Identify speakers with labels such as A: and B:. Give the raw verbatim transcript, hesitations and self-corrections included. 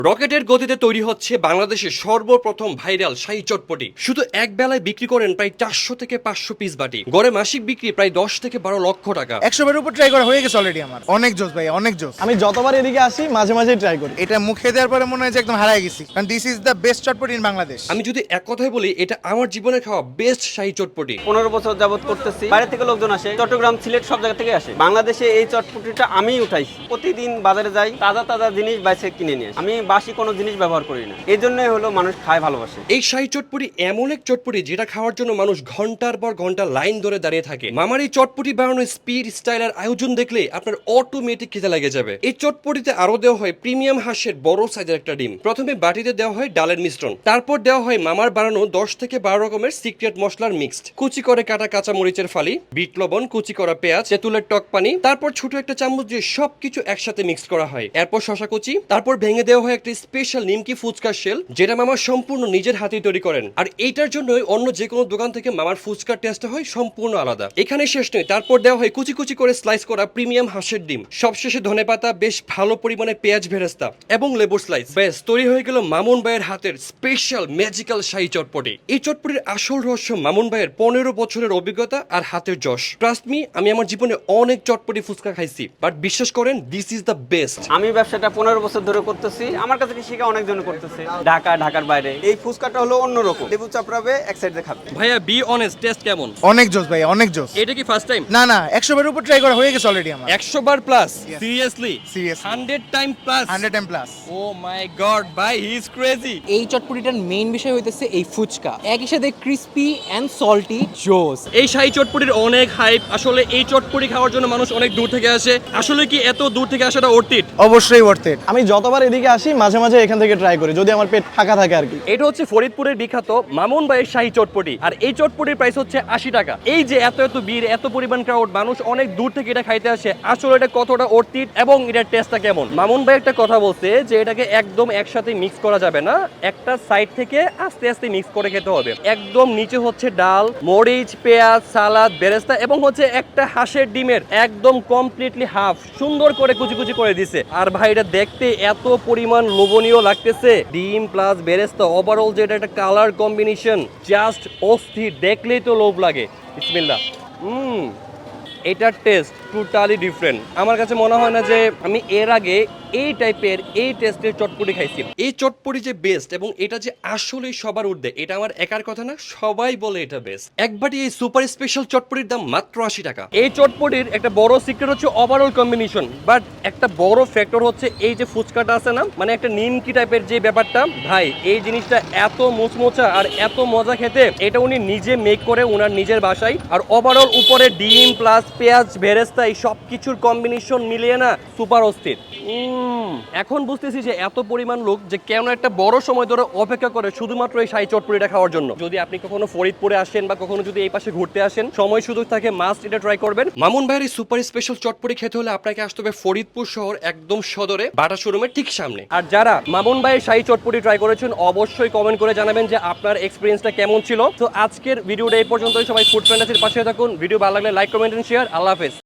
A: রকেটের গতিতে তৈরি হচ্ছে বাংলাদেশের সর্বপ্রথম ভাইরাল শাহী চটপটি। শুধু এক বেলায় বিক্রি করেন প্রায় চারশো থেকে পাঁচশো পিস বাটি। গড়ে মাসিক বিক্রি প্রায় দশ থেকে বারো লক্ষ টাকা।
B: একশো বার উপর ট্রাই করা হয়ে গেছে অলরেডি আমার। অনেক জোস ভাই, অনেক জোস।
C: আমি যতবার এদিকে আসি মাঝে মাঝে ট্রাই করি।
B: এটা মুখে দেওয়ার পরে মনে হয় যে একদম হারাই গেছি, কারণ this is the best chotpoti in Bangladesh.
A: আমি যদি এক কথায় বলি, এটা আমার জীবনে খাওয়া বেস্ট শাহী চটপটি।
D: পনেরো বছর যাবত করতেছি। বাইরে থেকে লোকজন আসে, চট্টগ্রাম, সিলেট সব জায়গা থেকে আসে। বাংলাদেশে এই চটপটিটা আমিই উঠাইছি। প্রতিদিন বাজারে যাই, তাজা তাজা জিনিস বাইরে কিনে নিয়ে আসি। আমি বাসি কোনো জিনিস ব্যবহার করি না। এই জন্যই হলো মানুষ খায় ভালোবাসে।
A: এই শাহী চটপটি এমন এক চটপটি যেটা খাওয়ার জন্য মানুষ ঘন্টার পর ঘন্টা লাইন ধরে দাঁড়িয়ে থাকে। মামার এই চটপটি বানানোর স্পিড, স্টাইল আর আয়োজন দেখলে আপনার অটোমেটিক খেতে লেগে যাবে। এই চটপটিতে আরো দেওয়া হয় প্রিমিয়াম হাঁসের বড় সাইজের একটা ডিম। প্রথমে বাটিতে দেওয়া হয় ডালের মিশ্রণ, তারপর দেওয়া হয় মামার বানানো দশ থেকে বারো রকমের সিক্রেট মশলার মিক্সড, কুচি করে কাটা কাঁচা মরিচের ফালি, বিট লবণ, কুচি করা পেঁয়াজ, তেঁতুলের টক পানি, তারপর ছোট একটা চামচ দিয়ে সবকিছু একসাথে মিক্স করা হয়। এরপর শশা কুচি, তারপর ভেঙে দেওয়া হয় একটা স্পেশাল নিমকি ফুচকার শেল, যেটা মামা সম্পূর্ণ নিজের হাতে তৈরি করেন। আর এইটার জন্যই অন্য যে কোনো দোকান থেকে মামার ফুচকার টেস্ট হয় সম্পূর্ণ আলাদা। এখানে শেষ নয়, তারপর দেওয়া হয় কুচি কুচি করে স্লাইস করা প্রিমিয়াম হাঁসের ডিম, সবশেষে ধনেপাতা, বেশ ভালো পরিমাণে পেঁয়াজ ভেরেস্তা এবং লেবুর স্লাইস। বেশ তৈরি হয়ে গেল মামুন ভাইয়ের হাতের স্পেশাল ম্যাজিক্যাল শাহী চটপটি। এই চটপটির আসল রহস্য মামুন ভাইয়ের পনেরো বছরের অভিজ্ঞতা আর হাতের যশ। ট্রাস্ট মি, আমি আমার জীবনে অনেক চটপটি ফুচকা খাইছি, বাট বিশ্বাস করেন দিস ইজ দ্য বেস্ট।
D: আমি ব্যবসাটা পনেরো বছর ধরে করতেছি। আমার কাছে কি শিখে অনেকজন করতেছে, ঢাকা, ঢাকার বাইরে। এই ফুচকাটা হলো অন্যরকম। লেবু চাপড়াবে, এক সাইডে খাবে।
A: ভাইয়া বি অনেস্ট, টেস্ট কেমন?
B: অনেক জোস ভাই, অনেক জোস।
A: এটা কি ফার্স্ট টাইম?
B: না না, একশো বার উপর ট্রাই করা হয়ে গেছে অলরেডি আমার।
A: একশো বার plus? Seriously?
B: Seriously.
A: Hundred time plus?
B: Hundred time plus.
A: Oh my God ভাই, হি ইজ ক্রেজি।
E: এই চটপটিটার মেইন বিষয় হইতেছে এই ফুচকা, একই সাথে ক্রিস্পি এন্ড সল্টি জোস।
A: এই শাহী চটপটির অনেক হাইপ। আসলে এই চটপটি খাওয়ার জন্য মানুষ অনেক দূর থেকে আসে। আসলে কি এত দূর থেকে আসাটা ওর্থ ইট?
B: অবশ্যই ওয়ার্থ ইট।
C: আমি যতবার এদিকে আসি মাঝে মাঝে এখান থেকে ট্রাই করি, যদি আমার পেট ফাঁকা থাকে আর কি।
A: এটা হচ্ছে ফরিদপুরের বিখ্যাত মামুন ভাইয়ের শাহী চটপটি। আর এই চটপটির প্রাইস হচ্ছে আশি টাকা। এই যে এত এত ভিড়, এত পরিমাণ ক্রাউড, মানুষ অনেক দূর থেকে এটা খাইতে আসে। আসলে এটা কতটা ওর্থ ইট এবং এটার টেস্টটা কেমন? মামুন ভাই একটা কথা বলছে যে এটাকে একদম একসাথে মিক্স করা যাবে না, একটা সাইড থেকে আস্তে আস্তে মিক্স করে খেতে হবে। একদম নিচে হচ্ছে ডাল, মরিচ, পেঁয়াজ, সালাদ, বেরেস্তা এবং হচ্ছে একটা হাঁসের ডিমের একদম কমপ্লিটলি হাফ সুন্দর করে কুচি কুচি করে দিছে। আর ভাই এটা দেখতে এত পরিমাণ লোভনীয় লাগতেছে। ডিম প্লাস বেরেস্তা, ওভারঅল যেটা একটা কালার কম্বিনেশন জাস্ট অস্থির, দেখলেই তো লোভ লাগে। বিসমিল্লাহ। হুম এটার টেস্ট টোটালি ডিফারেন্ট। আমার কাছে মনে হয় না যে আমি এর আগে এই টাইপের এই টেস্টের চটপটি খাইছি। এই চটপটি যে বেস্ট এবং এটা যে আসলেই সবার ঊর্ধ্বে, এটা আমার একার কথা না, সবাই বলে এটা বেস্ট। একবারই এই সুপার স্পেশাল চটপটির দাম মাত্র আশি টাকা। এই চটপটির একটা বড় সিক্রেট হচ্ছে ওভারঅল কম্বিনেশন, বাট একটা বড় ফ্যাক্টর হচ্ছে এই যে ফুচকাটা আছে না, মানে একটা নিমকি টাইপের যে ব্যাপারটা, ভাই এই জিনিসটা এত মুচমোচা আর এত মজা খেতে। এটা উনি নিজে মেক করে ওনার নিজের বাসায়। আর ওভারঅল উপরে ডিম প্লাস পেঁয়াজ ভেরেস্তা এই সব কিছুর কম্বিনেশন মিলিয়ে না সুপার অস্থির। এখন বুঝতেছি যে এত পরিমাণ লোক যে কেন একটা বড় সময় ধরে অপেক্ষা করে শুধুমাত্র এই শাহী চটপটিটা খাওয়ার জন্য। যদি আপনি কখনো ফরিদপুরে আসেন বা কখনো যদি এই পাশে ঘুরতে আসেন, সময় সুযোগ থাকে, মাস্ট এটা ট্রাই করবেন। মামুন ভাইয়ের এই সুপার স্পেশাল চটপটি খেতে হলে আপনাকে আসতে হবে ফরিদপুর শহর একদম সদরে বাটা শোরুমের ঠিক সামনে। আর যারা মামুন ভাইয়ের শাহী চটপটি ট্রাই করেছেন অবশ্যই কমেন্ট করে জানাবেন যে আপনার এক্সপিরিয়েন্সটা কেমন ছিল। তো আজকের ভিডিওটা এই পর্যন্তই। সবাই ফুড ফ্যান্টাসির পাশে থাকুন। ভিডিও ভালো লাগলে like, comment and share. Allah হাফেজ।